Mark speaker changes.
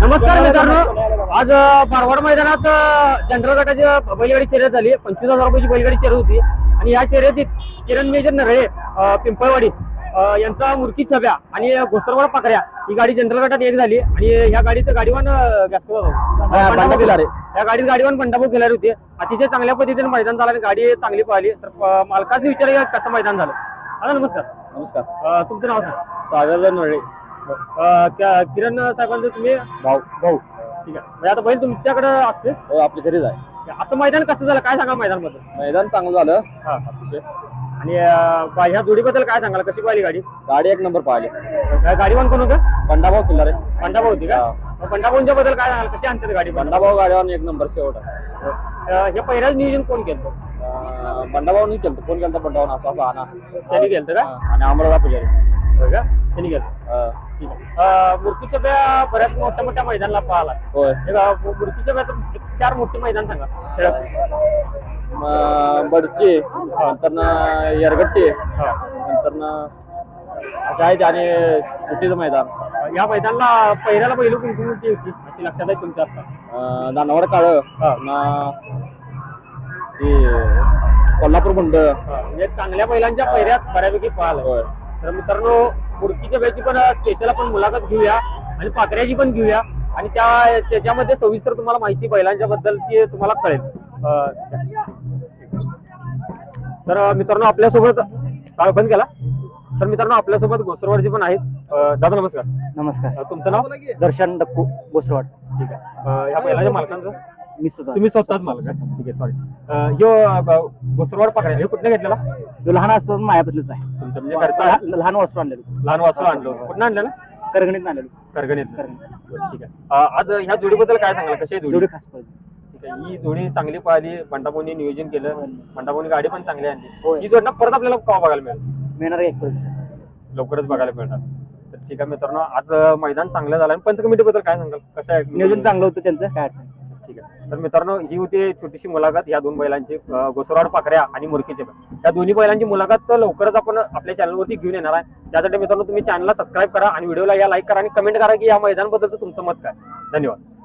Speaker 1: नमस्कार मित्रांनो, आज मारवाड मैदानात जनरल गटाची बैलगाडी शर्यत झाली. 25,000 रुपयाची बैलगाडी शर्यत होती आणि या शर्यतीत किरण मेजर नरळे पिंपळवाडी यांचा मुरकी छब्या आणि घोसरवाड पाकऱ्या ही गाडी जनरल गटात एक झाली आणि या गाडीत गाडीवान या गाडीत गाडीवान बंडाभाऊ खिलारी होते. अतिशय चांगल्या पद्धतीने मैदान झालं आणि गाडी चांगली पाहिली. तर मालकाने विचार कसं मैदान झालं. हा नमस्कार.
Speaker 2: नमस्कार.
Speaker 1: तुमचं नाव सांग.
Speaker 2: सागर नरळे.
Speaker 1: किरण साहेबांचं तुम्ही
Speaker 2: भाऊ.
Speaker 1: ठीक आहे. म्हणजे आता बैल तुमच्याकडे असते.
Speaker 2: हो, आपल्या घरीच आहे.
Speaker 1: आता मैदान कसं झालं काय सांगा मैदान बद्दल.
Speaker 2: मैदान चांगलं झालं.
Speaker 1: हा.
Speaker 2: अतिशय.
Speaker 1: आणि ह्या जोडीबद्दल काय सांगाल, कशी पाहिली गाडी.
Speaker 2: गाडी एक नंबर पाहिली.
Speaker 1: गाडीवान कोण होतं.
Speaker 2: बंडाभाऊ किल्लारे.
Speaker 1: बंडाभाऊ होती का. बंडाभाऊंच्या बद्दल काय सांगाल, कशी आणतात गाडी.
Speaker 2: बंडाभाऊ गाडीवर एक नंबर शेवट आहे.
Speaker 1: हे पहिल्याच नियोजन कोण केलं.
Speaker 2: बंडाभाऊनी केलं. कोण केलं बंडाभाऊ असं आणा
Speaker 1: त्यांनी केलं का.
Speaker 2: आणि अमृता पुजारी.
Speaker 1: होय का. त्यांनी केलं. ठीक आहे. मूर्तीच्या ब्या बऱ्याच मोठ्या मैदानाला पाहिला.
Speaker 2: होय.
Speaker 1: मूर्तीच्या ब्या 4 मोठे मैदान सांगा.
Speaker 2: बडची नंतर यरगट्टी नंतर असं आहेत आणि स्कुटीचं मैदान.
Speaker 1: या मैदानाला पहिल्याला पहिली कोणती होती अशी लक्षात आहे तुमच्या आता.
Speaker 2: दानवड काळ कोल्हापूर गुंड.
Speaker 1: म्हणजे चांगल्या बैलांच्या पहिऱ्यात बऱ्यापैकी पाहिलं. तर मित्रांनो, मूर्तीच्या ब्याची पण स्पेशल आपण मुलाखत घेऊया आणि पाकऱ्याची पण घेऊया आणि त्याच्यामध्ये सविस्तर तुम्हाला माहिती बैलांच्या बद्दलची तुम्हाला कळेल. तर मित्रांनो आपल्यासोबत काळ बंद केला. तर मित्रांनो आपल्यासोबत घोसरवाडची पण आहेत. दादा नमस्कार.
Speaker 3: नमस्कार.
Speaker 1: तुमचं नाव.
Speaker 3: दर्शन डक्कू घोसरवाड.
Speaker 1: ठीक आहे. ह्या बैलाच्या मालकांचं
Speaker 3: मी सुद्धा.
Speaker 1: तुम्ही स्वतःच मालक आहे. ठीक आहे. सॉरी. ह्यो घोसरवाड पाकऱ्या हे कुठल्या घेतलेला.
Speaker 3: तो लहान असताना मायापतलीच आहे.
Speaker 1: तुमचं म्हणजे घरचा
Speaker 3: लहान वासरू आणलेलं.
Speaker 1: लहान वासरू आणलं. कुठं आणलं ना.
Speaker 3: करगणीत आणलेलं.
Speaker 1: करगणीत. ठीक आहे. आज ह्या जोडीबद्दल काय सांगाल, कशी आहे
Speaker 3: जोडी खास पडली.
Speaker 1: ठीक आहे. ही जोडी चांगली पाहिली. बंडाभाऊंनी नियोजन केलं. बंडाभाऊंनी गाडी पण चांगली आणली.
Speaker 3: होय.
Speaker 1: ही जोडणं परत आपल्याला केव्हा बघायला मिळेल.
Speaker 3: मिळणार एक दिवसात.
Speaker 1: लवकरच बघायला मिळणार. तर ठीक आहे मित्रांनो, आज मैदान चांगलं झालं. आणि पंच कमिटी बद्दल काय सांगाल, कसं आहे
Speaker 3: नियोजन चांगलं होतं त्यांचं, काय अडचण.
Speaker 1: ठीक आहे. तर मित्रांनो, ही होती छोटीशी मुलाखत या 2 बैलांची, घोसरवाड पाकऱ्या आणि मुरकीचे. या दोन्ही बैलांची मुलाखत लवकरच आपण आपल्या चॅनलवरती घेऊन येणार आहे. त्यासाठी मित्रांनो तुम्ही चॅनलला सबस्क्राईब करा आणि व्हिडिओला या लाईक करा आणि कमेंट करा की या मैदानाबद्दलचं तुमचं मत काय. धन्यवाद.